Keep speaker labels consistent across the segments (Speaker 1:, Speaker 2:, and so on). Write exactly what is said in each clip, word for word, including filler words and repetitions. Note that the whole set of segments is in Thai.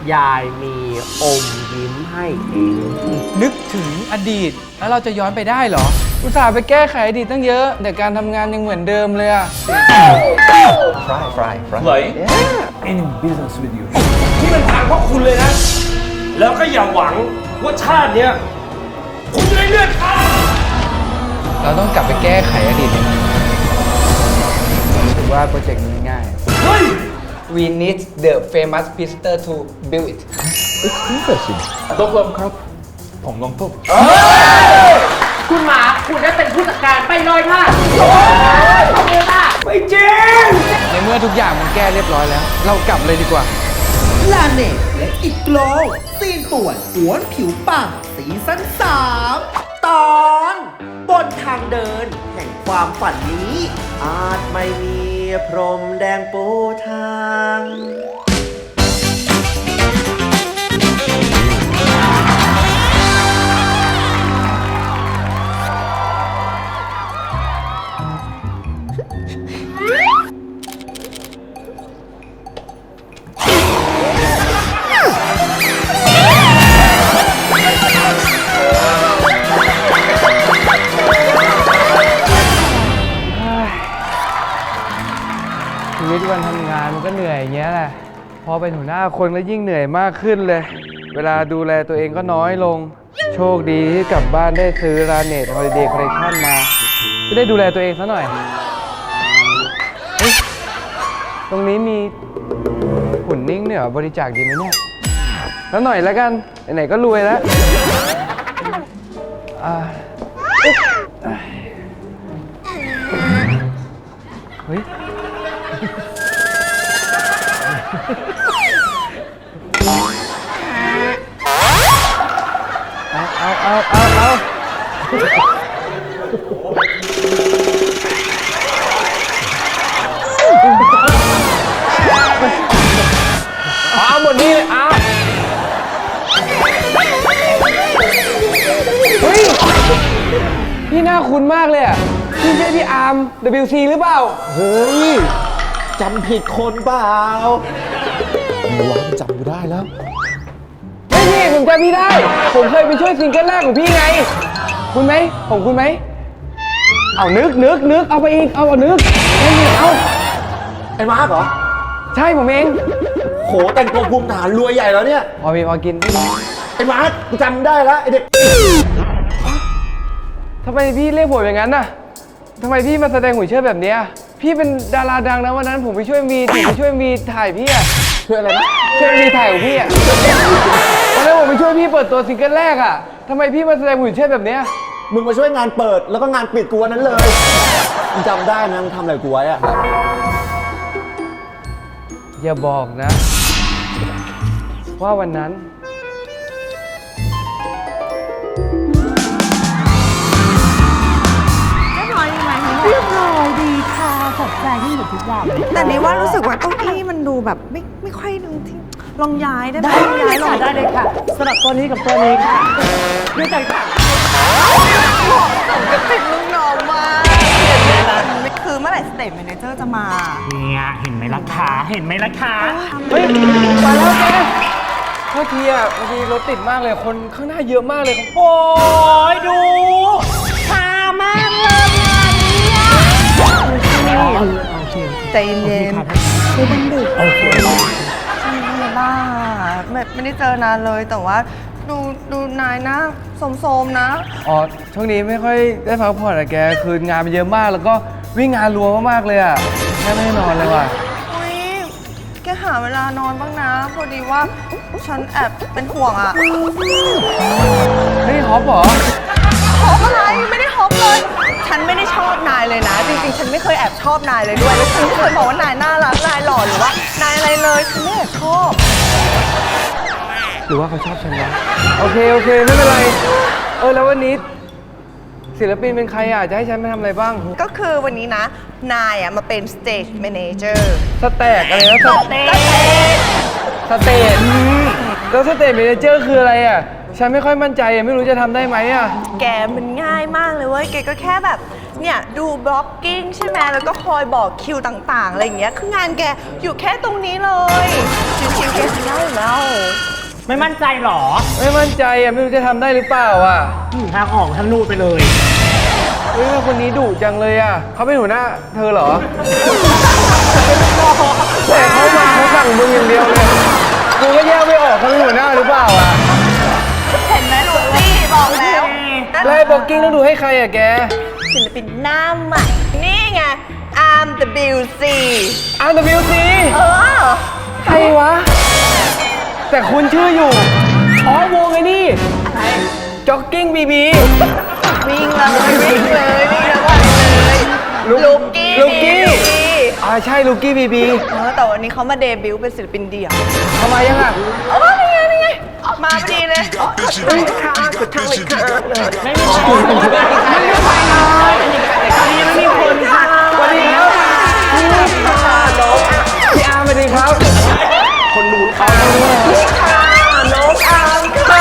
Speaker 1: ยายมีอมยิ้มให้เอง
Speaker 2: นึกถึงอดีตแล้วเราจะย้อนไปได้เหรอ อุตส่าห์ไปแก้ไขอดีตตั้งเยอะ แต่การทำงานยังเหมือนเดิมเลยอะ
Speaker 3: fry fry fry
Speaker 4: ไหล
Speaker 3: any business with you
Speaker 4: ที่มันทางพวกคุณเลยนะ แล้วก็อย่าหวังว่าชาติเนี้ยคุณจะได้เลือดข้า
Speaker 2: เราต้องกลับไปแก้ไขอดีตถือว่าโปรเจกต์นี้ง่าย
Speaker 4: เฮ้ย
Speaker 2: We need the famous visitor to build it
Speaker 3: it's interesting ตกลงครับ ผมลงทุก
Speaker 1: คุณหมาคุณได้เป็นผู้จัดการไปเลยค่ะขอบคุณค่ะ
Speaker 4: ไม่จริง
Speaker 2: ในเมื่อทุกอย่างมันแก้เรียบร้อยแล้ว เรากลับเลยดีกว่า
Speaker 5: ลาเนตและอิกโกลซีนป่วนหวนผิวปังซีซั่นสามตอนบนทางเดินแห่งความฝันนี้ อาจไม่มีพรมแดงปูทาง
Speaker 2: ชีวิตวันทำงานมันก็เหนื่อยอย่างเงี้ยแหละ พอเป็นหัวหน้าคนก็ยิ่งเหนื่อยมากขึ้นเลย เวลาดูแลตัวเองก็น้อยลง โชคดีที่กลับบ้านได้ซื้อลาเนตฮอลิเดย์คอลเลคชั่นมา จะได้ดูแลตัวเองซะหน่อยเฮ้ยตรงนี้มีหุ่นนิ่งเนี่ยเหรอบริจาคดีไหมเนี่ย แล้วหน่อยแล้วกัน ไหนๆก็รวยแล้วอ่าเฮ้ย เอาเอาเอาเอาเอาเอาหมดนี้เลยเอาเฮ้ย พี่น่าคุ้นมากเลยอ่ะ พี่ใช่พี่อาร์ม ดับเบิลยู ซี หรือเปล่า
Speaker 3: เฮ้ยจำผิดคนเปล่ามีร้านจำกูได้แล้ว
Speaker 2: ไม่พี่ผมจำพี่ได้ ผมเคยไปช่วยซิงเกิลแรกของพี่ไง คุณไหม ผมคุณไหม เอานึกนึกนึกเอาไปอีก เอาเอานึกไม่มีเอา
Speaker 3: ไอ้มาร์คเหรอ
Speaker 2: ใช่ผมเอง
Speaker 3: โหแต่งตัวภูมิฐานรวยใหญ่แล้วเนี่ย
Speaker 2: พอมีพอกิน
Speaker 3: ไอ้มาร์คกูจำได้แล้วไอ้เด็ก
Speaker 2: ทำไมพี่เรียกผมอย่างนั้นน่ะทำไมพี่มาแสดงหุ่นเชิดแบบเนี้ยพี่เป็นดาราดังนะวันนั้นผมไปช่วยมีผมไปช่วยมีถ่ายพี่อะช่วยอะไรนะช่วยมีถ่ายของพี่อะวันนั้นผมไปช่วยพี่เปิดตัวซิงเกิลแรกอะทำไมพี่มาแสดงหุ่นเชิดแบบเนี้ย
Speaker 3: มึงมาช่วยงานเปิดแล้วก็งานปิดกูวันนั้นเลยมึงจำได้นะมึงทำอะไรกูไว้อะ
Speaker 2: อย่าบอกนะ ว่าวันนั้น
Speaker 6: เรียบร้อยดีค่ะสดใจที่อยู่ทุกอย่างแต่นี้ว่ารู้สึกว่าเก้าอี้มันดูแบบไม่ไม่ค่อยนึงที่ลองย้ายได้ไหมได้เลยค่ะได้เลยค่ะสำหรับตัวนี้กับตัวนี้ค่ะด้วยใจค่ะก็ติดลูกน้องมากคือเมื่อไหร่สเตทแมเนเจอร์จะมา
Speaker 1: เนี่ยเห็นไหมล่ะคะเห็นไหมล่ะคะ
Speaker 2: เฮ้ยมาแล้วแกเมื่อกี้อ่ะบางทีรถติดมากเลยคนข้างหน้าเยอะมากเลยครับ
Speaker 1: โอ้ยดูช้ามากเลยเนี่ย
Speaker 6: ใจเย็นๆคือมันดึกโอเคใช่บ้าไม่ไม่ได้เจอนานเลยแต่ว่าดูดูนายนะโสมๆนะ
Speaker 2: อ๋อช่วงนี้ไม่ค่อยได้พักผ่อนอะแกคืองานมันเยอะมากแล้วก็วิ่งงานรัวมากๆเลยอ่ะแค่ไม่ได้นอนเลยว่ะ
Speaker 6: อุ้ยแกหาเวลานอนบ้างนะ พอดีว่าฉันแอบเป็นห่วงอ่ะ
Speaker 2: เฮ้ยฮอปเหรอ
Speaker 6: ฮอปอะไรไม่ได้ฮอปเลย ฉันไม่ได้ชอบนายเลยนะ จริงๆ ฉันไม่เคยแอบชอบนายเลยด้วยแล้วฉันไม่เคยบอกว่านายน่ารักนายหล่อหรือว่านายอะไรเลยฉันไม่แอบชอบ
Speaker 2: หรือว่าเขาชอบฉันวะโอเคโอเคไม่เป็นไรเออแล้ววันนี้ศิลปินเป็นใครอ่ะจะให้ฉันมาทำอะไรบ้าง
Speaker 6: ก็คือวันนี้นะ นายอ่ะมาเป็นสเตจแมเนเจอร์
Speaker 2: สแต็กอะไรนะสเตจสเตจแล้วสเตจเมเนเจอร์คืออะไรอ่ะฉันไม่ค่อยมั่นใจอ่ะไม่รู้จะทำได้ไหมอ่ะ
Speaker 6: แกมันง่ายมากเลยเว้ยแกก็แค่แบบเนี่ยดูบล็อกกิ้งใช่ไหมแล้วก็คอยบอกคิวต่างๆอะไรอย่างเงี้ยคืองานแกอยู่แค่ตรงนี้เลยชิวๆแกทำได้อยู่แล้ว
Speaker 1: ไม่มั่นใจหรอ
Speaker 2: ไม่มั่นใจอ่ะไม่รู้จะทำได้หรือเปล่าอ่ะ
Speaker 1: ทางออกทางนู่นไปเลย
Speaker 2: เฮ้ยคนนี้ดุจังเลยอ่ะเขาเป็นหัวหน้าเธอเหรอแต่เขามาเขาสั่งมึงอย่างเดียวเลยกูก็แยกไม่ออกเขาเป็นหัวหน้าหรือเปล่าอ่ะ
Speaker 6: เห็นไหมลูกพี่บอกแล้ว
Speaker 2: ไล่บอกกิ้งต้องดูให้ใครอ่ะแก
Speaker 6: ศิลปินหน้าใหม่นี่ไง อาร์ม ดับเบิลยู ซี
Speaker 2: อาร์ ดับเบิลยู ซี
Speaker 6: เออ
Speaker 2: ใครวะ แต่คุณชื่ออยู่ อ๋อวงไอ้นี่จ็อกกิ้งบีบี
Speaker 6: วิ่งเลยวิ่งเลยวิ่งแล้ววันเลยลูกกี้
Speaker 2: ลูกกี้อ่าใช่ลูกกี้บีบี
Speaker 6: เออแต่วันนี้เขามาเดบิวต์เป็นศิลปินเดี่ยว
Speaker 2: ทำไมยังอ่ะ
Speaker 6: เออนี่ไงนี่ไงมาพอดีเลยเฮ้ยค่ะสุดท้ายค่ะ
Speaker 1: ไม่มีใครไม่มีใครเลยตอนนี้ไม่มีคนค่ะ
Speaker 2: สวัสดีครับพี่อาร์มสวัสดีครับ
Speaker 3: คนนู้นเขา
Speaker 6: น้องอาร์มค่ะ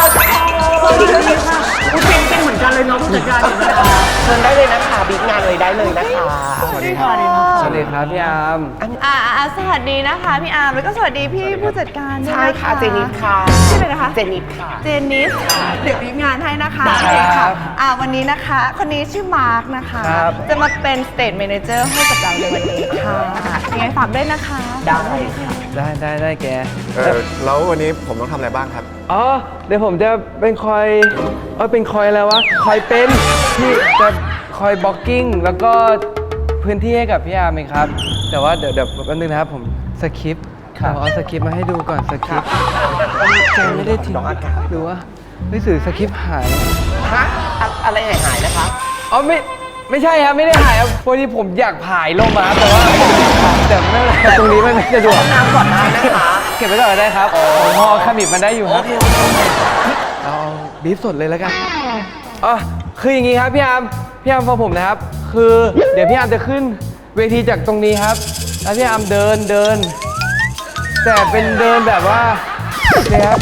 Speaker 1: กูเป็นเป็นเหมือนกันเลยเนาะผู้จัดการอยู่นะ
Speaker 5: เชิญได้เลยนะคะบิ๊กงานเลยได้เลยนะคะ
Speaker 2: สวัสดีครับ สวัสดีครับพี่อาร์ม
Speaker 6: อ่าอ่าสวัสดีนะคะพี่อาร์มแล้วก็สวัสดีพี่ผู้จัดการด้วย
Speaker 5: ใช่ค่ะเจนิดค่ะ
Speaker 6: ชื่ออะไรนะคะ
Speaker 5: เจนิดค่ะ
Speaker 6: เจนนิสเดี๋ยวมีงานให้นะคะ
Speaker 2: ได้
Speaker 6: โอเค
Speaker 2: ครั
Speaker 6: ค่ะ
Speaker 2: บ
Speaker 6: อ่าวันนี้นะคะ คนนี้ชื่อมาร์คนะคะ
Speaker 2: ครับ
Speaker 6: จะมาเป็นสเตทแมเนเจอร์ให้กับเราในวันนี้ค่ะยังไงฝากด้วยนะคะ
Speaker 5: ได้ค่ะ
Speaker 2: ได้ได้ได้แก
Speaker 3: เออแล้ววันนี้ผมต้องทำอะไรบ้างครับ
Speaker 2: อ๋อ เดี๋ยวผมจะเป็นคอย เออเป็นคอยอะไรวะ คอยเป็นที่จะคอยบล็อกกิ้งแล้วก็พื้นที่ให้กับพี่อาร์มเองครับ แต่ว่าเดี๋ยวเดี๋ยวแป๊บนึงนะครับผมสคริปต์เราเอาสคริปต์มาให้ดูก่อนสคริปต์แกไม่ได้ทิ้งหรือว่าหนังสือสคริปต์หาย
Speaker 5: ฮะอะอะไรหายหายๆนะคะ
Speaker 2: อ๋อไม่ไม่ใช่ครับไม่ได้หายครับพอดีผมอยากผายลงมาแต่ว่าแต่ไม่เป็นไรตรงนี้มันไม่สะดวก
Speaker 5: น้ำก่อนได้นะคะ
Speaker 2: เก็บไว้ก่อนก็ได้ครับผมพอขมิบมันได้อยู่ครับเราเอาบีฟสดเลยแล้วกันอ๋อคืออย่างงี้ครับพี่อาร์มพี่อาร์มฟังผมนะครับ คือเดี๋ยวพี่อาร์มจะขึ้นเวทีจากตรงนี้ครับ แล้วพี่อาร์มเดินเดิน แต่เป็นเดินแบบว่าเนี่ยครับ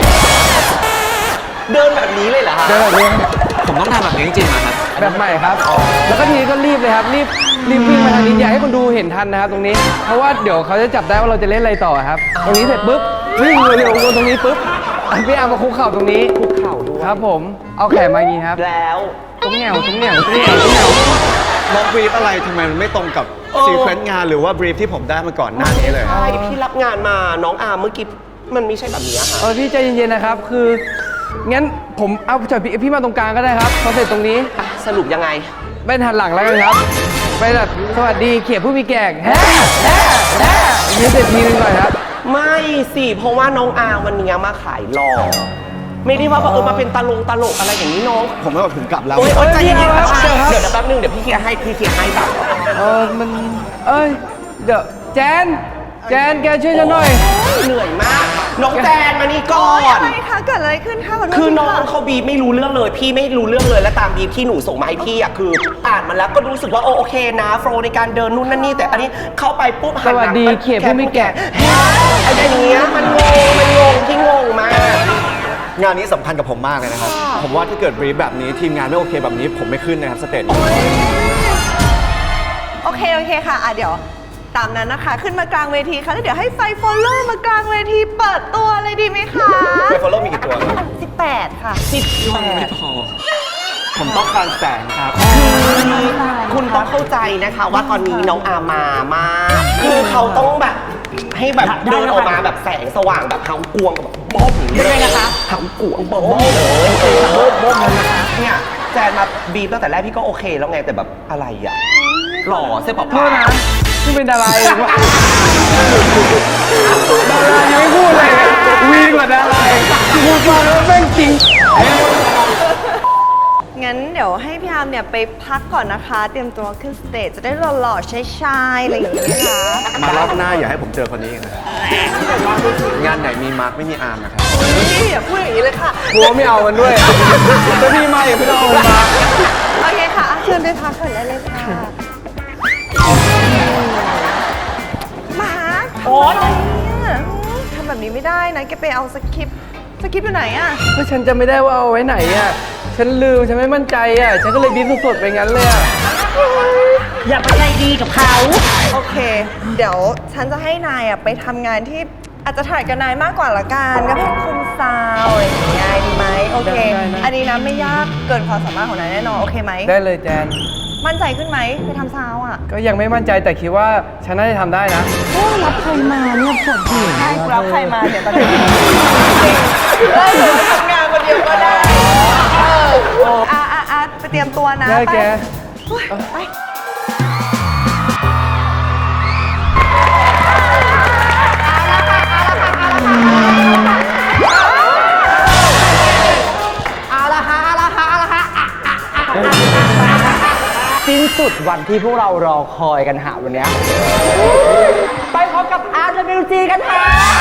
Speaker 5: เดินแบบนี้เลยเหรอคะ
Speaker 2: เดินแบบนี้
Speaker 3: ผมต้องทำแบบนี้จริงๆนะครับ
Speaker 2: แบบใหม่ครับ แล้วก็ทีนี้ก็รีบเลยครับ รีบรีบวิ่งมาทางนี้อยากให้คนดูเห็นทันนะครับตรงนี้ เพราะว่าเดี๋ยวเขาจะจับได้ว่าเราจะเล่นอะไรต่อครับ ตรงนี้เสร็จปุ๊บวิ่งเร็วๆวนตรงนี้ปุ๊บพี่อาร์มมาคุกเข่าตรงนี้
Speaker 5: คุกเข่าด้วย
Speaker 2: ครับผม เอาแขนมาอย่างนี้ครับ
Speaker 5: แล้ว
Speaker 2: ตรงแหวตรงแหวตรงแหวตรงแหว
Speaker 3: ล็อกบรีฟอะไรทำไมมันไม่ตรงกับซีเควนต์งานหรือว่าบรีฟที่ผมได้มาก่อนหน้านี้เลย
Speaker 5: ใช่พี่รับงานมาน้องอาร์มเมื่อกี้มันไม่ใช่แบบนี้อะค่ะ
Speaker 2: เออพี่ใจเย็นๆนะครับ คือ งั้นผมเอาจอดพี่พี่มาตรงกลางก็ได้ครับ พอเสร็จตรงนี้
Speaker 5: อ่ะสรุปยังไง
Speaker 2: ไปหันหลังแล้วกันครับ ไปแบบสวัสดีเขียบผู้มีแก่งแฮ่แฮ่แฮ่อย่างนี้เสร็จทีนึงก่อนครับ
Speaker 5: ไม่สิเพราะว่าน้องอาร์มวันนี้มาขายหล่อไม่ได้ว่าเออมาเป็นตลกตลกอะไรอย่างนี้น้อง
Speaker 3: ผมไม่บอกถึงกลับแล้ว
Speaker 5: โอ๊ยโอ๊ยใจเย็นๆครับ
Speaker 2: เดี๋ยวครับ
Speaker 5: เดี๋ยวแป๊บนึงเดี๋ยวพี่เคลียร์ให้พี่เคลียร์ให้แบบ
Speaker 2: เออมันเอ้ย เดี๋ยวแจน แจนแกช่วยฉันหน่อย
Speaker 5: เหนื่อยมาก น้องแจนมานี่ก่อน
Speaker 6: อะไรคะเกิดอะไรขึ้นคะขอโทษ
Speaker 5: คือน้อง
Speaker 6: ทีะ
Speaker 5: เขาบีบไม่รู้เรื่องเลย พี่ไม่รู้เรื่องเลยและตามบีบที่หนูส่งมาให้พี่อ่ะคืออ่านมาแล้วก็รู้สึกว่าโอโอเคนะโฟล์ในการเดินนู่นนั่นนี่แต่อันนี้เข้าไปปุ๊บหันหลัง
Speaker 2: สวัสดี
Speaker 5: ไป
Speaker 2: เขียบผู้มีแก่
Speaker 5: อะไรอย่างเงี้ยมันงงมันงงที่งงมาก
Speaker 3: งานนี้สำคัญกับผมมากเลยนะครับ ผมว่าถ้าเกิดบรีฟแบบนี้ทีมงานไม่โอเคแบบนี้ผมไม่ขึ้นนะครับสเตจนี้
Speaker 6: โอเคโอเคค่ะอ่ะเดี๋ยวตามนั้นนะคะ ขึ้นมากลางเวทีค่ะแล้วเดี๋ยวให้ไฟฟอลโล่มากลางเวทีเปิดตัวเลยดีไหมคะ
Speaker 3: ไฟฟอลโล่มีกี่ตัวครับ
Speaker 6: สิบแปดค่ะ
Speaker 5: สิบแปด
Speaker 3: ผมต้องการแสงครับ
Speaker 5: คุณต้องเข้าใจนะคะว่าตอนนี้น้องอามามาคือเขาต้องแบบให้แบบเดินออกมาแบบแสงสว่างแบบเฮากวงแบบบ้อมอย่างนี้เลยนะคะเฮากวงบ้อมเลยเออบ้อมบ้อมเลยนะคะเนี่ยแจนมาบีบตั้งแต่แรกพี่ก็โอเคแล้วไงแต่แบบอะไรอ่ะหล่อเสื้อผ้า
Speaker 2: โทษนะนี่เป็นดาราเองวะดารายังไม่พูดเลยวีกว่าดาราพูดมาแล้วแม่งจริง
Speaker 6: งั้นเดี๋ยวให้พี่อาร์มเนี่ยไปพักก่อนนะคะ เตรียมตัวขึ้นสเตจจะได้หล่อๆใช้ๆอะไรอย่างเงี้ยนะคะ
Speaker 3: มารอบหน้าอย่าให้ผมเจอคนนี้อีกนะครับงานไหนมีมาร์คไม่มีอาร์มนะครับ
Speaker 6: นี่อย่าพูดอย่างนี้เลยค่ะ
Speaker 2: กลัวไม่เอามันด้วยจะพี่มาอย่าไม่ต้องเอามันมา
Speaker 6: โอเคค่ะอ่ะเชิญไปพักก่อนได้เลยค่ะมาโอ๊ยทำแบบนี้ไม่ได้นะแกไปเอาสคริปต์สคริปต์อยู่ไหนอะ
Speaker 2: ก็ฉันจะไม่ได้ว่าเอาไว้ไหนอ่ะ ฉันลืม ฉันไม่มั่นใจอ่ะ ฉันก็เลยบีบสดๆไปงั้นเลยอ่ะ
Speaker 6: ออย่าไปใจดีกับเขา โอเค เดี๋ยวฉันจะให้นายอ่ะไปทำงานที่อาจจะถ่ายกับนายมากกว่าละกันก็เป็นคุมซาวอะไรอย่างเงี้ยดีไหมโอเค
Speaker 2: ได้ได้
Speaker 6: อันนี้นะไม่ยากเกินความสามารถของนายแน่นอนโอเคไหม
Speaker 2: ได้เลยแจน
Speaker 6: มั่นใจขึ้นไหมไปทำซาวอ่ะ
Speaker 2: ก็ยังไม่มั่นใจแต่คิดว่าฉันน่าจะทำได้นะ
Speaker 6: รับใครมาเนี่ยปวดหัวใช่รับใครมาเดี๋ยวตอนนี้ได้หรือทำงานคนเดียวก็ได้เอออ่ะอ่ะอ่ะไปเตรียมตัวนะ
Speaker 2: ได้แก
Speaker 6: ไป
Speaker 1: สิ้นสุดวันที่พวกเรารอคอยกันหาวันเนี้ยไปพบกับ อาร์ ดับเบิลยู จี กันค่ะ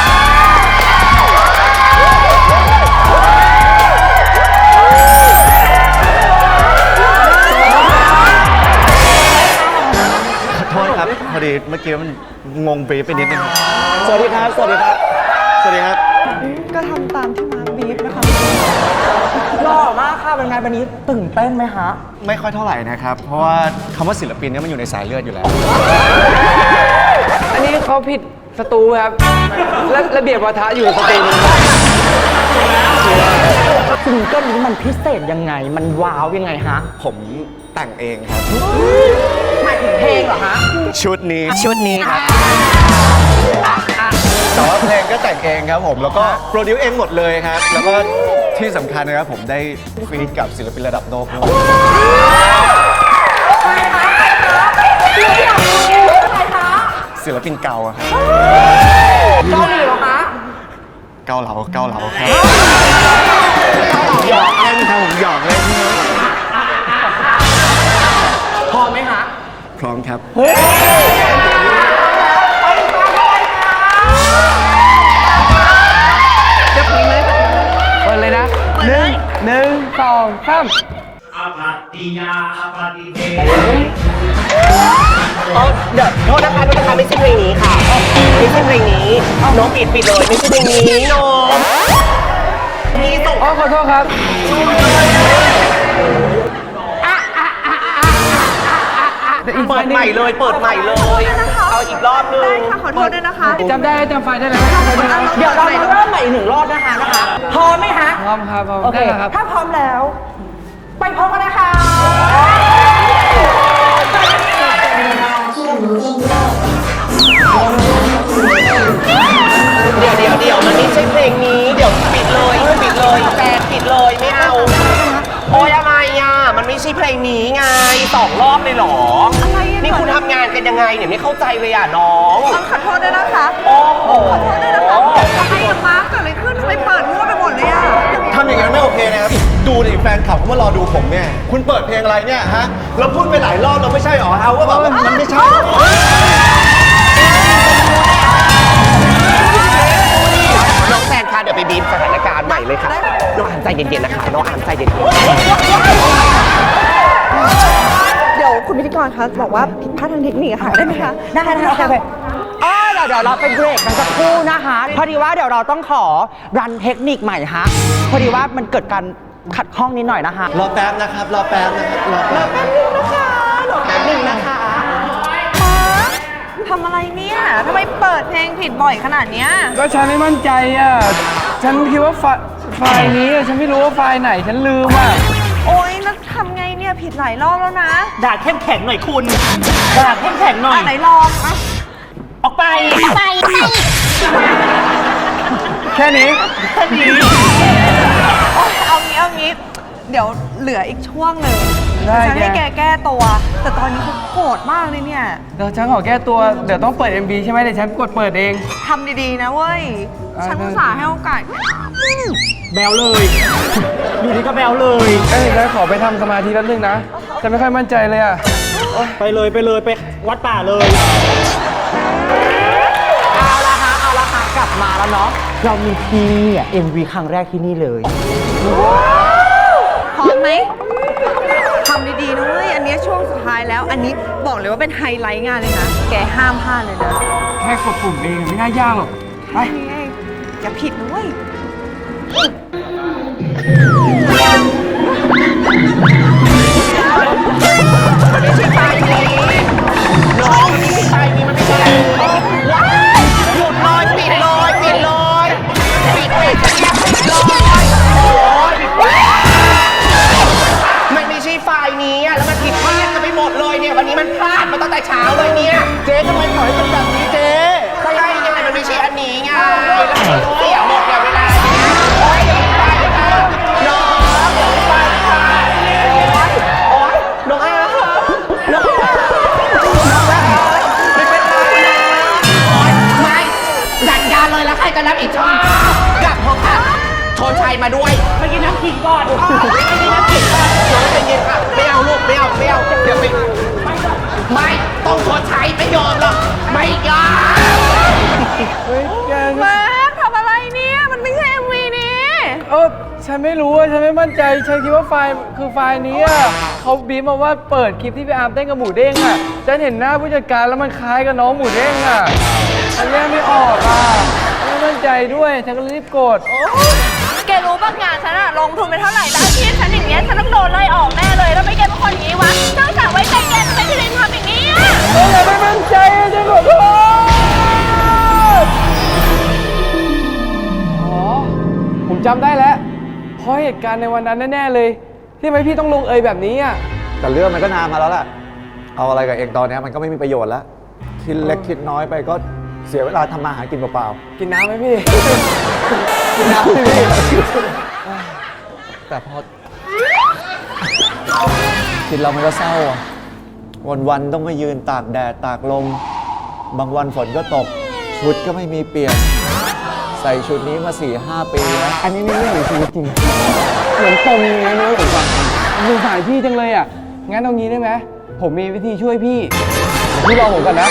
Speaker 3: ขอโทษครับ พอดีเมื่อกี้มันงงบรีฟไปนิดนึง
Speaker 1: สวัสดีครับ สวัสดีครับ
Speaker 3: สวัสดีครับ
Speaker 6: ก็ทำตามที่มาร์คบีฟนะคะ
Speaker 1: หล่อมากค่ะเป็นไงวันนี้ตื่นเต้นไหมฮะ
Speaker 3: ไม่ค่อยเท่าไหร่นะครับ เพราะว่าคำว่าศิลปินเนี่ยมันอยู่ในสายเลือดอยู่แล้ว
Speaker 2: อันนี้เขาผิดสตูครับและระเบียบวาทะอยู่สตูนึง
Speaker 1: ซิงเกิลนี้มันพิเศษยังไง มันว้าวยังไงฮะ
Speaker 3: ผมแต่งเองครับ
Speaker 1: หมายถึงเพลงเหรอฮะ
Speaker 3: ชุดนี้
Speaker 1: ชุดนี้ครับ
Speaker 3: แต่ว่าเพลงก็แต่งเองครับผม แล้วก็โปรดิวเองหมดเลยครับ แล้วก็ที่สำคัญนะครับผมได้ฟีดกับศิลปินระดับโลกด้วยศิลปินเก่าอะครับ
Speaker 1: เกาหลีเหรอคะ
Speaker 3: เกาเหลาเกาเหลาครับหยอกเล่นครับผมหยอกเล่น
Speaker 1: พอไหมฮะ
Speaker 3: พร้อมครับ
Speaker 2: เปิดเลยนะหนึ่งหนึ่งสองสาม
Speaker 1: เดี๋ยวโทษนะคะโทษนะคะไม่ใช่เพลงนี้ค่ะ ไม่ใช่เพลงนี้ น้องปิดปิดเลย ไม่ใช่เพลงนี้น้องมีส่ง
Speaker 2: อ๋อขอโทษครับ
Speaker 1: เปิดใหม่เลย เปิดใหม่เลย เอาอีกรอบนึง
Speaker 6: ได้ค่ะ ขอโทษด้วยนะคะ
Speaker 2: จำได้จำไฟล์ได้เลย
Speaker 1: เดี๋ยวเรามาเริ่มใหม่อีกหนึ่งรอบนะคะนะคะ พร้อมไหมคะ
Speaker 2: พร้อมครับพร้อม
Speaker 1: โอเค
Speaker 2: ได้แล้วครับ
Speaker 1: ถ้าพร้อมแล้ว ไปพร้อมกันนะคะ เดี๋ยวเดี๋ยวเดี๋ยวมันไม่ใช่เพลงนี้ เดี๋ยวปิดเลยปิดเลยแฟนปิดเลยไม่เอา โอ้ยอะไรอ่ะ มันไม่ใช่เพลงนี้ไงสองรอบเลยเหรอ
Speaker 6: อะไรอ่ะ
Speaker 1: นี่คุณทำงานกันยังไงเนี่ยไม่เข้าใจเลยอ่ะน้อง
Speaker 6: ต้องขอโทษด้วยนะคะ
Speaker 1: โอ้โห
Speaker 6: ขอโทษด้วยนะคะอะไรอะมาร์คเกิดอะไรขึ้นทำไมเปิดมั่วไปหมดเลยอะ
Speaker 3: ทำอย่างนั้นไม่โอเคนะครับ ดูดิแฟนคลับเขามารอดูผมเนี่ย คุณเปิดเพลงอะไรเนี่ยฮะ เราพูดไปหลายรอบเราไม่ใช่หรอเอาว่าแบบว่ามันไม่ใช่
Speaker 1: น้องแซนคะเดี๋ยวไปบีบสถานการณ์ใหม่เลยค่ะ น้องอ่านใจเย็นๆนะคะ น้องอ่านใจเย็น
Speaker 6: เดี๋ยวคุณพิธีกรคะบอกว่าผิดพลาดทางเทคนิคอะค่ะ ได้ไหมคะ
Speaker 1: ๆได้ได้โอเคอ๋อเดี๋ยวเดี๋ยวเราไปเบรกกันสักครู่นะคะ พอดีว่าเดี๋ยวเราต้องขอรันเทคนิคใหม่ฮะ พอดีว่ามันเกิดการขัดข้องนิดหน่อยนะคะ
Speaker 3: รอแป๊บนะครับ รอแป๊บนะครับ รอแป๊บ
Speaker 1: แป๊บนึงนะคะ
Speaker 6: ทำอะไรเนี่ยทำไมเปิดเพลงผิดบ่อยขนาดเนี้ย
Speaker 2: ก็ฉันไม่มั่นใจอ่ะ ฉันคิดว่าไฟไฟล์นี้อะฉันไม่รู้ว่าไฟล์ไหนฉันลืมอ่ะ
Speaker 6: โอ๊ยแล้วทำไงเนี่ยผิดหลายรอบแล้วนะ
Speaker 1: ด่าเข้มแข็งหน่อยคุณ ด่าเข้มแข็งหน่อย
Speaker 6: อ่ะไหนลองอ่ะ
Speaker 1: ออกไป ไป
Speaker 2: แค่นี้
Speaker 6: โอ๊ยเอางี้เอางี้ เดี๋ยวเหลืออีกช่วงหนึ่ง
Speaker 2: ได้
Speaker 6: ฉันให้
Speaker 2: แก
Speaker 6: แกแก้ตัว แต่ตอนนี้เขาโกรธมากเลยเนี่ย
Speaker 2: เดี๋ยวฉันขอแก้ตัว เดี๋ยวต้องเปิด เอ็ม บี ใช่ไหมเดี๋ยวฉันกดเปิดเอง
Speaker 6: ทำดีๆนะเว้ย
Speaker 2: อ่า
Speaker 6: ฉันอุตส่าห์ให้โอกาส
Speaker 1: แบวเลย อยู่นี่ก็แบวเลย
Speaker 2: เอ้ยแล้วขอไปทำสมาธิแป๊บนึงนะ ฉันไม่ค่อยมั่นใจเลยอ่ะ
Speaker 1: ไปเลยไปเลยไปวัดป่าเลย เอาละฮะเอาละฮะกลับมาแล้วเนาะ เรามีที่นี่อ่ะ เอ็ม วี ครั้งแรกที่นี่เลย
Speaker 6: พร้อมไหม ทำดีๆนะเว้ย อันนี้ช่วงสุดท้ายแล้ว อันนี้บอกเลยว่าเป็นไฮไลท์งานเลยนะ แกห้ามพลาดเลยนะ
Speaker 2: แค่กดปุ่มเองไม่น่ายากหรอก ไป
Speaker 6: นี่ไงอย่าผิดนะเว้ย
Speaker 1: ไม่ใช่ไฟ
Speaker 3: เจ๊ทำไมปล่อยให้เป็นแบบนี้เจ๊
Speaker 5: ก็ไล่ยังไงมันไม่ใช่อันนี้ไงแล้วมันเสียหมดเนี่ยเวลาโอ๊ยอย่าไปค่ะน้องอย่าไปค่ะโอ๊ยน้องอาค่ะน้องอาน้องอาไม่เป็นไรนะโอ๊ยไม่จัดการเลยแล้วใครจะรับอีกชอบกลับเถอะค่ะโชนชัยมาด้วยไปกินน้ำขิงก่อนไปกินน้ำขิงก่อนน้องใจเย็นค่ะไม่เอาลูกไม่เอาไม่เอาเดี๋ยวไปไม่ต้องโชนชัยไม่ยอมหรอกไม่ยอม
Speaker 2: เฮ้ยแก
Speaker 6: แม็กทำอะไรเนี่ย มันไม่ใช่ เอ็ม วี นี้
Speaker 2: เออฉันไม่รู้อะฉันไม่มั่นใจ ฉันคิดว่าไฟล์คือไฟล์นี้อะเขาบีบมาว่าเปิดคลิปที่พี่อาร์มเต้นกับหมูเด้งอะฉันเห็นหน้าผู้จัดการแล้วมันคล้ายกับน้องหมูเด้งอะฉันแยกไม่ออกอะไม่มั่นใจด้วย ฉันก็เลยรีบกด
Speaker 6: แกรู้ป่ะงานฉันอะลงทุนไปเท่าไหร่แล้วอาชีพฉันอย่างเงี้ยฉันต้องโดนไล่ออกแน่เลยแล้วไม่แกเป็นคนอย่างงี้วะนอกจากไว้ใจแกทำไมที่เล่นทำอย่างนี้อะ
Speaker 2: เออไม่มั่นใจอะฉันขอโทษอ๋อ ผมจำได้แล้ว เพราะเหตุการณ์ในวันนั้นแน่ๆเลย ที่ทำไมพี่ต้องลงเอยแบบนี้อ่ะ
Speaker 3: แต่เรื่องมันก็นานมาแล้วล่ะ เอาอะไรกับเองตอนนี้มันก็ไม่มีประโยชน์แล้ว คิดเล็กคิดน้อยไปก็เสียเวลาทำมาหากินเปล่า
Speaker 2: กินน้ำไหมพี่
Speaker 3: ๆกินน้ำพี่แต่พอคิดเรามันก็เศร้าอ่ะ วันๆต้องมายืนตากแดดตากลม บางวันฝนก็ตก ชุดก็ไม่มีเปลี่ยน ใส่ชุดนี้มาสี่ห้าปีแล้ว
Speaker 2: อันนี้ไม่เรื่องของชีวิตจริง เหมือนปมอย่างนี้นะผมฟังสงสารพี่จังเลยอ่ะ งั้นเอางี้ได้ไหม ผมมีวิธีช่วยพี่เดี๋ยวพี่รอผมก่อนนะ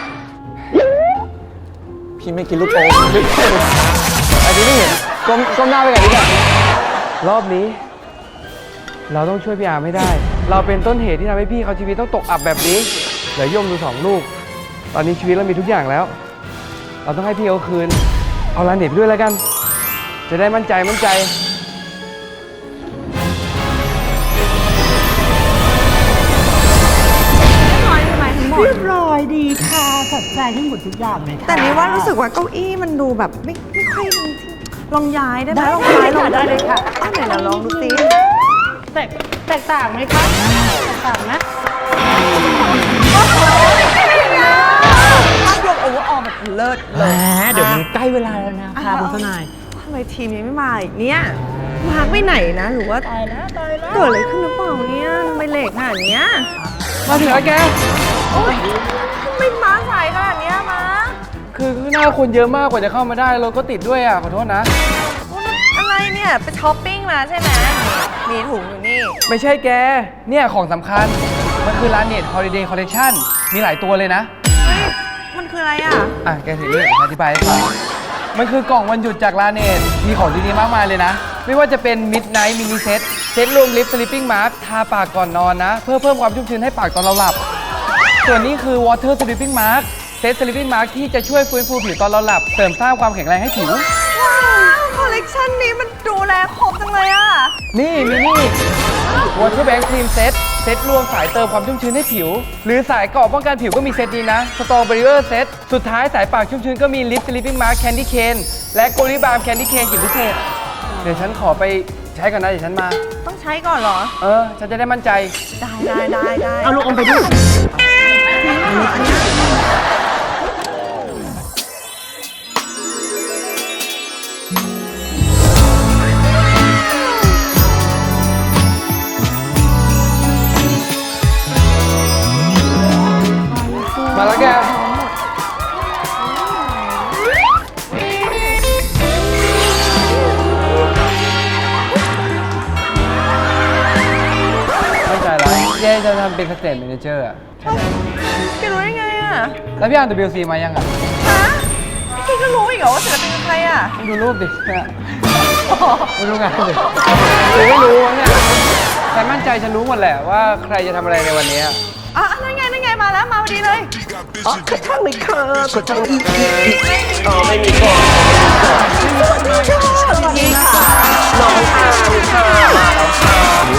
Speaker 3: พี่ไม่กินลูกโป่ง
Speaker 2: อันนี้ไม่เห็นก้มก้มหน้าไปก่อนดีกว่ารอบนี้ เราต้องช่วยพี่อาร์มให้ได้ เราเป็นต้นเหตุที่ทำให้พี่เขาชีวิตต้องตกอับแบบนี้ เหลือย่อมดูสองลูก ตอนนี้ชีวิตเรามีทุกอย่างแล้ว เราต้องให้พี่เขาคืน เอาลานเน็ตไปด้วยแล้วกัน จะได้มั่นใจมั่นใจ
Speaker 6: เรียบร้อยดีค่ะสนใจทั้งหมดทุกอย่างเลยแต่นี่ว่ารู้สึกว่าเก้าอี้มันดูแบบไม่ไม่ค่อยลองย้ายได้ไหมลองย้ายลองได้เลยค่ะอ้าวไหนเราลองดูสิแตกแตกต่างไหมคะแตกต่างนะโอ้โหภาพรวมโอเวอร์ออลแบบเลิศเลยเดี๋ยวมันใกล้เวลาแล้วนะค่ะคุณทนายทำไมทีมยังไม่มาอีกเนี่ยมาร์คไปไหนนะหรือว่าตายแล้วตายแล้วเกิดอะไรขึ้นหรือเปล่าเนี่ยทำไมเลทขนาดเนี้ย
Speaker 2: มาถึงแล้วแก
Speaker 6: โอ๊ยทำไมม้าสายขนาดเนี้ยม้า
Speaker 2: คือข้างหน้าคนเยอะมากกว่าจะเข้ามาได้รถก็ติดด้วยอ่ะ ขอโทษนะ
Speaker 6: อะไรเนี่ย ไปช้อปปิ้งมาใช่ไหมมีถุงอยู่นี่
Speaker 2: ไม่ใช่แก เนี่ยของสำคัญ มันคือร้านเน็ต Holiday Collection มีหลายตัวเลยนะ
Speaker 6: เฮ้ย มันคืออะไรอ่ะ
Speaker 2: อ่ะ แกถือนี่อธิบายให้ฟังมันคือกล่องวันหยุดจากลาเนตมีของดีๆมากมายเลยนะ ไม่ว่าจะเป็น Midnight Mini Set เซตรวมลิป Sleeping Mask ทาปากก่อนนอนนะ เพื่อเพิ่มความชุ่มชื้นให้ปากตอนเราหลับ ส่วนนี้คือ Water Sleeping Mask เซต Sleeping Mask ที่จะช่วยฟื้นฟูผิวตอนเราหลับ เสริมสร้างความแข็งแรงให้ผิว
Speaker 6: ว้าว คอลเลกชันนี้มันดูแลครบจังเลยอ่ะ
Speaker 2: นี่มีนี่ Water Bank Cream Set เซตรวมสายเติมความชุ่มชื้นให้ผิว หรือสายเกราะป้องกันผิวก็มีเซตนี้นะ Strong Barrier Set สุดท้ายสายปากชุ่มชื้นก็มี Lip Sleeping Mask Candy Cane และ Goli Balm Candy Cane กลิ่นพิเศษ เดี๋ยวฉันขอไปใช้ก่อนนะ เดี๋ยวฉันมา
Speaker 6: ต้องใช้ก่อนเหรอ
Speaker 2: เออ ฉันจะได้มั่นใจ
Speaker 6: ได้ได้ได้ได้
Speaker 1: เอาลูกอมไปด้วย
Speaker 2: มาแล้วแก มั่นใจแล้วเย่จะทำเป็นสเตทแมเนเจอร์อะ
Speaker 6: แกรู้ได้ไงอ่ะ
Speaker 2: แล้วพี่อ่าน ดับเบิลยู ซี มายังอ่ะ
Speaker 6: ฮะแกก็รู้อีกเหรอว่าศิลปินเป็นใครอ่ะ
Speaker 2: ดูรูปดิเนี่ยไม่รู้งานดิหรือไม่รู้วะเนี่ยฉันมั่นใจฉันรู้หมดแหละว่าใครจะทำอะไรในวันนี้
Speaker 6: อ่ะนั่นไงนั่นไงมาแล้วมาพอดีเลย
Speaker 5: อ๋อกดช่างเลยค่ะกดช่างอีกอ๋อไม่มีกดสวัสดีค่ะน้องอาร์มค่ะมาแล้วค่ะ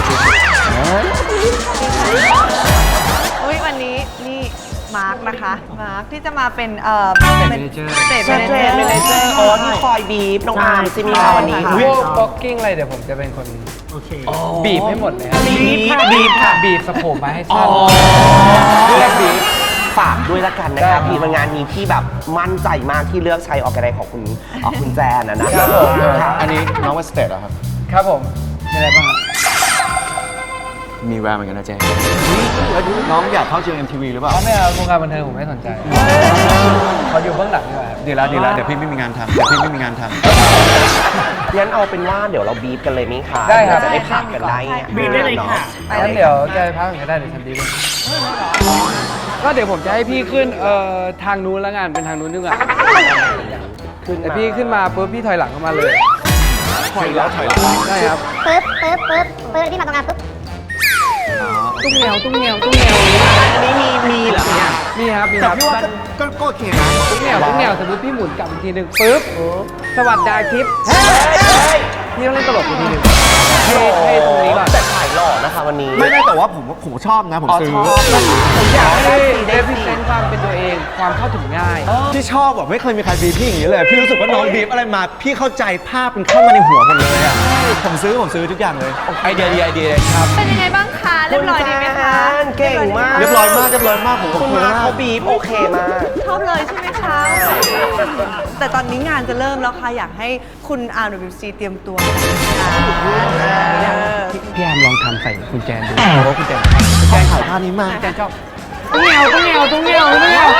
Speaker 6: เฮ้ยวันนี้นี่มาร์คนะคะ มาร์คที่จะมาเป็นเอ่อ
Speaker 2: State
Speaker 6: เป็น
Speaker 2: Manager
Speaker 6: สเตท
Speaker 5: เทรนเมเนเจอร์อ๋อที่คอยบีบน้องอาร์มซิมีค่ะวันนี้
Speaker 2: พวกบล็อกกิ้งอะไรเดี๋ยวผมจะเป็นคนบีบให้หมดเลยครับ
Speaker 5: บีบบีบค่ะ
Speaker 2: บีบสะโพกมาให้สั้นเรียกบีบ
Speaker 7: ฝากด้วยละกันนะครับพี่มันงานนี้ที่แบบมั่นใจมากที่เลือกใช้ออกกันไดของคุณเอ่อคุณแจนนะนะครับผม
Speaker 3: อันนี้น้องว่าสเตทเหรอครับ
Speaker 2: ครับผมมีอะไรบ้างครับ
Speaker 3: มีแววเหมือนกันนะเจ๊น้องอยากเข้าเจอ เอ็ม ที วี หรือเปล่า
Speaker 2: เขาไม่เอาวงการบันเทิงผมไม่สนใจเขาอยู่เบื้องหลังดีกว่าครับ
Speaker 3: ดีแล้วดีแล้วเดี๋ยวพี่ไม่มีงานทำเดี๋ยวพี่ไม่มีงานทำ
Speaker 7: งั้นเอาเป็นว่าเดี๋ยวเราบีบกันเลยไหมคะ
Speaker 2: ได้ครับ
Speaker 7: จะได้พักกันได้
Speaker 4: บีบได้เลยค่ะ
Speaker 2: งั้นเดี๋ยวจะไปพักก่อนก็ได้เดี๋ยวฉันดีเลยก็เดี๋ยวผมจะให้พี่ขึ้นเอ่อทางนู้นแล้วงานเป็นทางนู้นดีกว่า
Speaker 7: ขึ้น
Speaker 2: แต่พี่ขึ้นมาปุ๊บพี่ถอยหลังเข้ามาเลย
Speaker 3: ถอยแล้วถอยแล้ว
Speaker 2: ได้ครับ
Speaker 8: ปึ๊บปึ๊บปึ๊บปึ๊บที่มาตรงงานปึ๊บ
Speaker 2: ตุ้งเหนียวตุ้งเหนียวตุ้งเหนียว
Speaker 7: อันนี้มีมีเหรอเนี่ย
Speaker 2: นี่ครับมีค
Speaker 3: แต่
Speaker 2: รับ
Speaker 3: พี่ว่าก็ก็โอเคนะ
Speaker 2: ตุ้งเหนียวตุ้งเหนียวสมมติพี่หมุนกลับอีกทีหนึ่งปุ๊บสวัสดีคลิปพี่ต้องเล่นตลกอีกทีหนึ่งให้ให้ตรงนี้ก่อน
Speaker 7: แต่ถ่ายหล่อนะคะวันนี้
Speaker 3: ไม่ไม่แต่ว่าผมผมชอบนะผม
Speaker 7: อ๋อ
Speaker 3: ซื้อ
Speaker 7: ชอบนะ
Speaker 2: ผมอยากให้เดฟิเซนต์ความเป็นตัวเองความเข้าถึงง่าย
Speaker 3: พี่ชอบแบบไม่เคยมีใครบีบพี่อย่างนี้เลย พี่รู้สึกว่าน้องบีบอะไรมา พี่เข้าใจภาพมันเข้ามาในหัวหมดเลยอ่ะผมซื้อผมซื้อทุกอย่างเลยไอเดียดีไอเดียเลยครับ
Speaker 6: เป็นยังไงบ้างคะ เรียบร้อยดีไหมคะ
Speaker 7: เก่งมาก
Speaker 3: เรียบร้อยมากเรียบร้อยมากผม
Speaker 7: คุณ
Speaker 3: คุย
Speaker 7: มา
Speaker 3: มา
Speaker 7: เขา
Speaker 3: ก
Speaker 7: บีบโอเคมาก
Speaker 6: ชอบเลยใช่ไหมคะ แต่ตอนนี้งานจะเริ่มแล้วค่ะ อยากให้คุณ อาร์ ดับเบิลยู ซี เตรียมตัวค่ะ
Speaker 2: พี่แอมลองทำใส่กุญแจดูเพราะว่ากุญแจกุญแจถ่ายท่านี้มากกุญแจชอบตุ้งเหนียวตุ้งเหนียวตุ้งเหนียวตุ้งเหนียว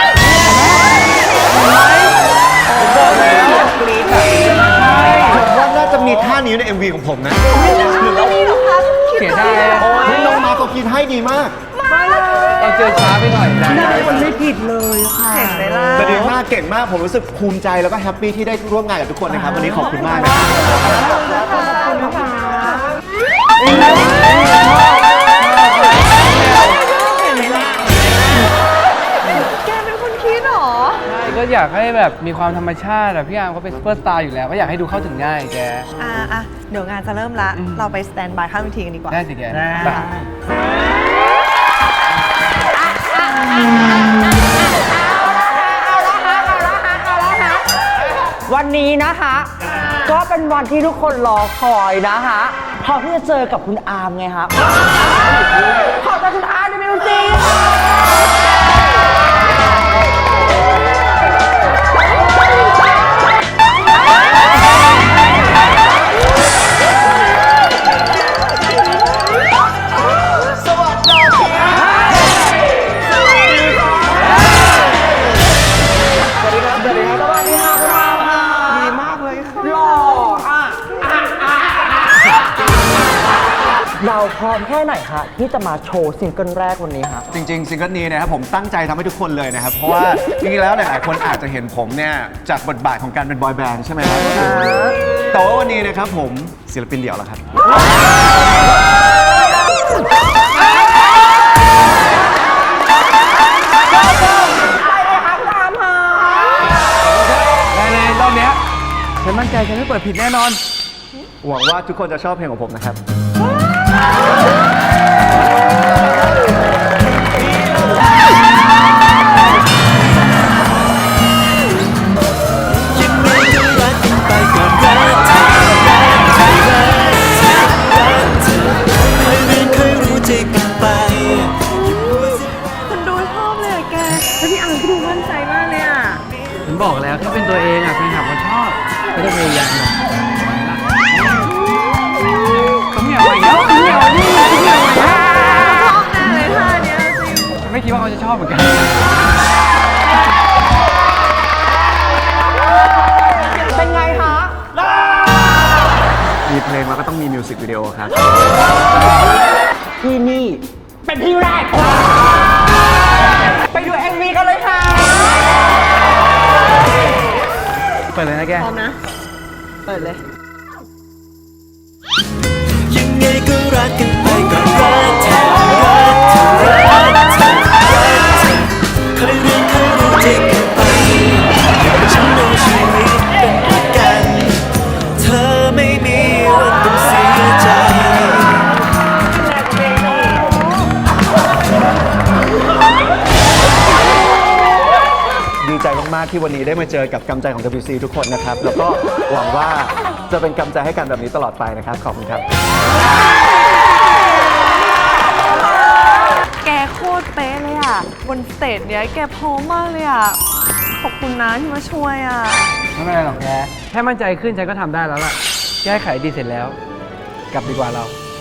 Speaker 7: ผมบอกแล้วกรี๊ดแบบนี้
Speaker 3: ผมว่าน่าจะมีท่านี้ใน เอ็ม วี ของผมนะ
Speaker 2: เสียดาย
Speaker 3: เฮ้ยน้องมาเขาคิดให้ดีมาก
Speaker 2: เราเจอช้าไปหน่อยได้
Speaker 6: มันไม่ผิดเลยค่ะ เห็นไหมล่ะ
Speaker 3: แต่ดีมากเก่งมากผมรู้สึกภูมิใจแล้วก็แฮปปี้ที่ได้ร่วมงานกับทุกคนนะครับวันนี้ขอบคุณมากนะครับ
Speaker 6: แกเป็นคนคิดเหรอ
Speaker 2: ก็อยากให้แบบมีความธรรมชาติแบบพี่อาร์มเขาเป็นซูเปอร์สตาร์อยู่แล้วก็อยากให้ดูเข้าถึงง่ายแก
Speaker 6: อ่ะอ่ะเดี๋ยวงานจะเริ่มละ เราไปสแตนบายข้างเวทีกันดีกว่า
Speaker 2: ได้สิแกไป
Speaker 1: วันนี้นะคะ ก็เป็นวันที่ทุกคนรอคอยนะคะพอที่จะเจอกับคุณอาร์มไงคะขอต้อนรับคุณอาร์มในมิวสิก เราพร้อมแค่ไหนคะที่จะมาโชว์ซิงเกิลแรกวันนี้คะ
Speaker 3: จริงๆซิงเกิลนี้นะครับผมตั้งใจทำให้ทุกคนเลยนะครับ เพราะว่าจริงๆแล้วหลายๆคนอาจจะเห็นผมเนี่ยจากบทบาทของการเป็นบอยแบนด์ใช่ไหมครับแต่ว่าวันนี้นะครับผมศิลปินเดี่ยวแล้วครับ
Speaker 2: ได้เลยรอบเนี้ยฉันมั่นใจฉันไม่เปิดผิดแน่นอน
Speaker 3: หวังว่าทุกคนจะชอบเพลงของผมนะครับ
Speaker 6: คุณดูชอบเลยอะแก แล้วพี่อาร์มก็ดูมั่นใจมากเลยอ่ะ
Speaker 2: ผมบอกแล้วถ้าเป็นตัวเองอ่ะแฟนคลับเขาชอบไม่ต้องพยายามหรอกต้องเหนียวอีกแล้วต้องเหนียวนี่ต้องเหนียวอีกแล้ว
Speaker 6: ชอบแน่เลยท่าเนี้ยจริง
Speaker 2: ไม่คิดว่าเขาจะชอบเหมือนกัน
Speaker 1: เป็นไงคะ
Speaker 3: มีเพลงแล้วก็ต้องมีมิวสิกวิดีโอครับ
Speaker 1: ที่นี่เป็นที่แรกค่ะไปดู เอ็ม วี กันเลยค่ะ
Speaker 2: เปิดเลยนะแก
Speaker 6: พร้อมนะ เปิดเลย
Speaker 9: ยังไงก็รักกันไปก็รักเธอรักเธอรักเธอรักเธอเคยเรียนเคยรู้ใจกันไปฉันเอาชีวิตเป็นประกันเธอไม่มีวันต้องเสียใจ
Speaker 3: ดีใจมากๆที่วันนี้ได้มาเจอกับกำใจของ ดับเบิลยู ซี ทุกคนนะครับ แล้วก็หวังว่าจะเป็นกำใจให้กันแบบนี้ตลอดไปนะครับ ขอบคุณครับ
Speaker 6: แกโคตรเป๊ะเลยอ่ะ บนสเตจเนี้ยแกพร้อมมากเลยอ่ะ ขอบคุณนะที่มาช่วยอ่ะ
Speaker 2: ไม่เป็นไรหรอกแกแค่มั่นใจขึ้นฉันก็ทำได้แล้วล่ะ แก้ไขดีเสร็จแล้ว กลับดีกว่าเรา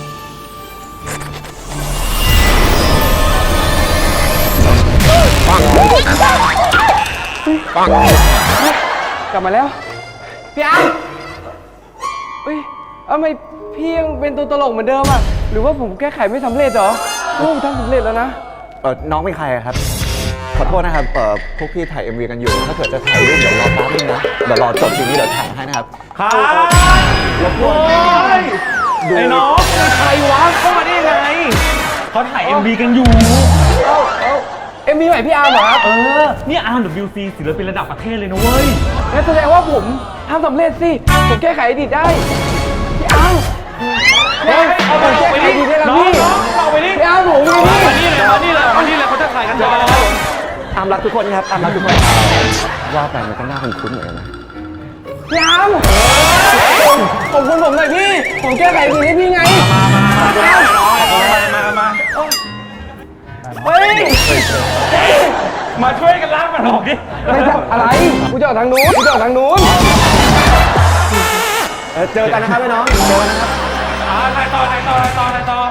Speaker 2: ปังกลับมาแล้ว พี่อาร์มเฮ้ยทำไมพี่ยังเป็นตัวตลกเหมือนเดิมอ่ะ หรือว่าผมแก้ไขไม่สำเร็จเหรอโอ้ผมทำสำเร็จแล้วนะ
Speaker 3: เออน้องเป็นใครอะครับ ขอโทษนะครับเออพวกพี่ถ่าย เอ็ม วี กันอยู่ ถ้าเกิดจะถ่ายรูปเดี๋ยวรอแป๊บนึงนะ เดี๋ยวรอจบซีรีส์เดี๋ยวถ่ายให้นะครับ
Speaker 4: ครับ
Speaker 3: รบกวน
Speaker 4: ไอ้น้องเป็นใครวะเข้ามาได้ยังไงเขาถ่าย เอ็ม วี กันอยู่
Speaker 2: เอ้าเอ้าเอ็มวีใหม่พี่อาร์มเหรอครับ
Speaker 4: เออ นี่ อาร์ ดับเบิลยู ซี ศิลปินระดับประเทศเลยนะเว้ย
Speaker 2: งั้นแสดงว่าผมทำสำเร็จสิ ผมแก้ไขอดีตได้ พี่อาร์ม
Speaker 4: เฮ้ยเอาไป
Speaker 2: แก้
Speaker 4: ไป
Speaker 2: ไขอ
Speaker 4: ดิ
Speaker 2: ดีตได้แล้ว
Speaker 4: น้อง
Speaker 2: พี่
Speaker 4: น้องเอาไปดิ
Speaker 2: พี่อาร์มผมไง
Speaker 4: มา
Speaker 2: พี่
Speaker 4: นี่เลยมานี่เลยมานี่เลยเขาจะถ่ายกันต่อ
Speaker 3: ตามรักทุกคนครับ ตามรักทุกคน ว่าไปมันก็น่าคุ้นๆเหมือนกันนะ
Speaker 2: พี่อาร์มขอบคุณผมหน่อยพี่ ผมแก้ไขดีให้พี่ไง
Speaker 4: มามามามา
Speaker 2: เฮ้ย
Speaker 4: มาช่วยกันล้างมันออกดิ
Speaker 2: ไม่ใช่อะไร กูจะออกทางนู้น กูจะออกทางนู้น
Speaker 3: เออเจอกันนะครับพี่น้อง เจอกันนะครับ
Speaker 4: อ่าถ่ายต่อถ่ายต่อถ่ายต่อถ่ายต่อ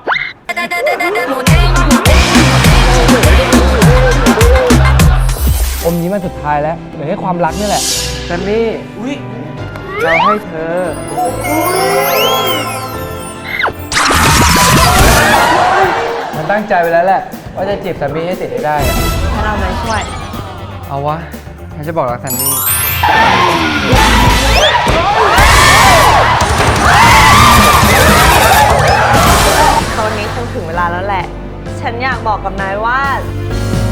Speaker 2: อมนี้มันสุดท้ายแล้วเหลือแค่ความรักนี่แหละแซมมี่เราให้เธอ มันตั้งใจไปแล้วแหละ ว่าจะจีบแซมมี่ให้ติดให้ได้อะ
Speaker 6: ให้เรามาช่วย
Speaker 2: เอาวะฉันจะบอกรักแซมมี่
Speaker 6: ตอนนี้คงถึงเวลาแล้วแหละ ฉันอยากบอกกับนายว่า